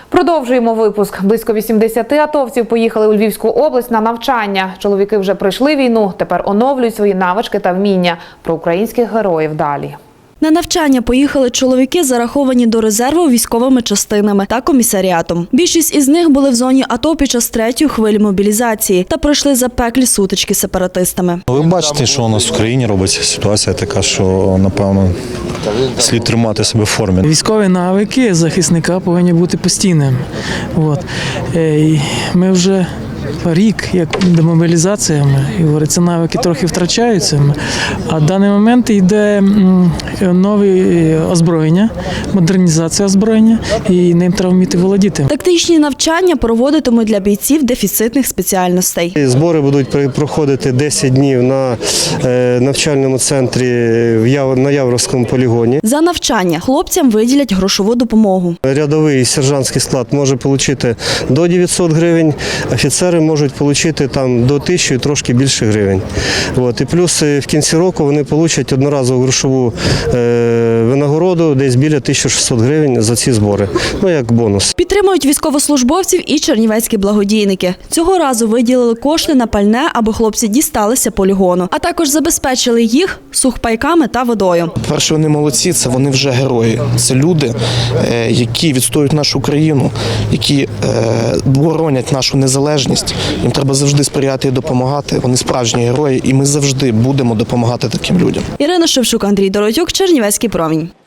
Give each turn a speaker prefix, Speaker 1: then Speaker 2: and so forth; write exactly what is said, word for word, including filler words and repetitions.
Speaker 1: Продовжуємо випуск. Близько вісімдесят атовців поїхали у Львівську область на навчання. Чоловіки вже пройшли війну, тепер оновлюють свої навички та вміння. Про українських героїв далі.
Speaker 2: На навчання поїхали чоловіки, зараховані до резерву військовими частинами та комісаріатом. Більшість із них були в зоні АТО під час третьої хвилі мобілізації та пройшли запеклі сутички з сепаратистами.
Speaker 3: Ви бачите, що у нас в країні робиться. Ситуація така, що, напевно, слід тримати себе в формі.
Speaker 4: Військові навики захисника повинні бути постійними. От. І ми вже рік, як демобілізація, і говориться, навики трохи втрачаються, а в даний момент йде нове озброєння, модернізація озброєння, і ним треба вміти володіти.
Speaker 2: Тактичні навчання проводитимуть для бійців дефіцитних спеціальностей.
Speaker 5: Збори будуть проходити десять днів на навчальному центрі на Явровському полігоні.
Speaker 2: За навчання хлопцям виділять грошову допомогу.
Speaker 5: Рядовий сержантський склад може отримати до дев'ятсот гривень, офіцери можуть отримати там до тисячі і трошки більше гривень. От. І плюс в кінці року вони отримають одноразову грошову е, винагороду десь біля тисячі шістсот гривень за ці збори, ну як бонус.
Speaker 2: Підтримують військовослужбовців і чернівецькі благодійники. Цього разу виділили кошти на пальне, аби хлопці дісталися полігону, а також забезпечили їх сухпайками та водою.
Speaker 6: Перше, вони молодці, це вони вже герої. Це люди, які відстоюють нашу країну, які боронять нашу незалежність. Їм треба завжди сприяти і допомагати. Вони справжні герої, і ми завжди будемо допомагати таким людям.
Speaker 2: Ірина Шевчук, Андрій Доротюк, Чернівецький промінь.